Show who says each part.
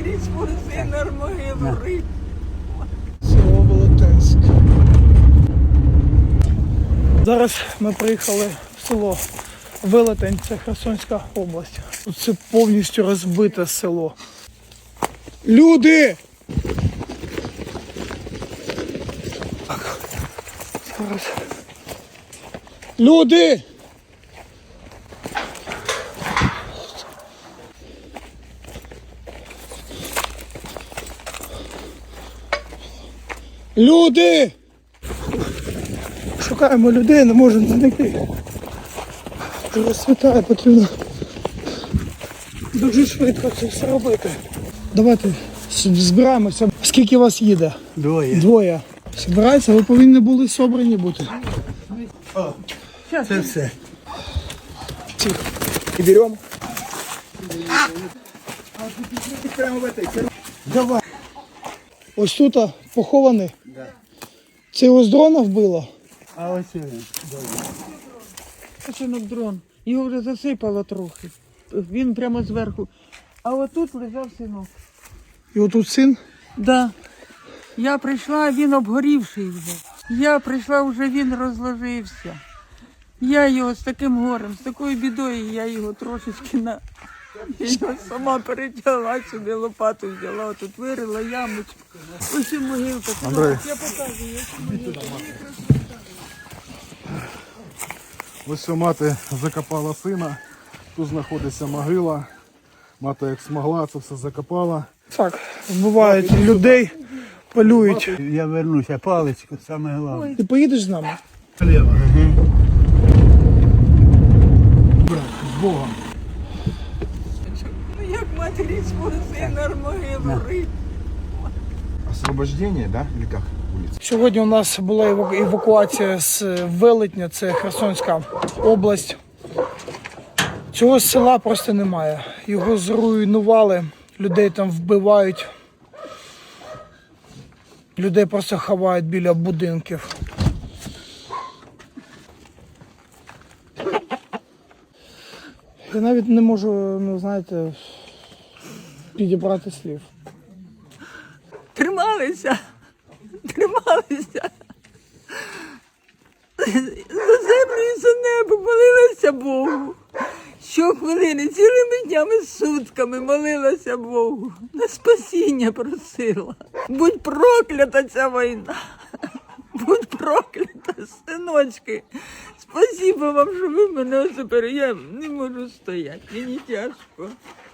Speaker 1: матері спаси на могилу риб.
Speaker 2: Село Велетенськ. Зараз ми приїхали в село Велетень, це Херсонська область. Тут це повністю розбите село. Люди! Так. Зараз. Люди! Люди! Шукаємо людей, не можемо знайти. Розсвітає, потрібно дуже швидко це все робити. Давайте збираємося. Скільки вас їде? Двоє. Збирайтеся, ви повинні були собрані бути.
Speaker 3: Це все.
Speaker 2: І беремо.
Speaker 3: Давай.
Speaker 2: Ось тут похований.
Speaker 3: Да.
Speaker 2: Це його з дрона вбило?
Speaker 3: А ось він.
Speaker 1: Синок дрон. Його вже засипало трохи. Він прямо зверху. А отут лежав синок.
Speaker 2: І отут син?
Speaker 1: Да. Я прийшла, а він обгорівший вже. Я прийшла, вже він розложився. Я його з таким горем, з такою бідою, я його трошечки Я його сама перетягла сюди, лопату взяла, тут вирила ямочку. Ось і могилка.
Speaker 3: Андрей.
Speaker 1: Я показую, ось могилка.
Speaker 3: Ось що мати закопала сина. Тут знаходиться могила. Мати як змогла, це все закопала.
Speaker 2: Так, вбивають людей, полюють.
Speaker 4: Я вернуся, паличку, саме головне.
Speaker 2: Ти поїдеш з нами?
Speaker 4: Слева.
Speaker 3: З Богом.
Speaker 1: Ну як матері спаси на могилу риб.
Speaker 3: Освобождение, да? Или как улица?
Speaker 2: Сьогодні у нас була евакуація з Велетня, це Херсонська область. Цього села просто немає. Його зруйнували, людей там вбивають. Людей просто ховають біля будинків. Я навіть не можу, ну знаєте, підібрати слів.
Speaker 1: Трималися. За землю і за небо молилася Богу. Щохвилини, цілими днями, сутками молилася Богу. На спасіння просила. Будь проклята ця війна. Будь проклята, синочки. Спасибо вам, що ви мене тепер. Я не можу стояти, мені тяжко.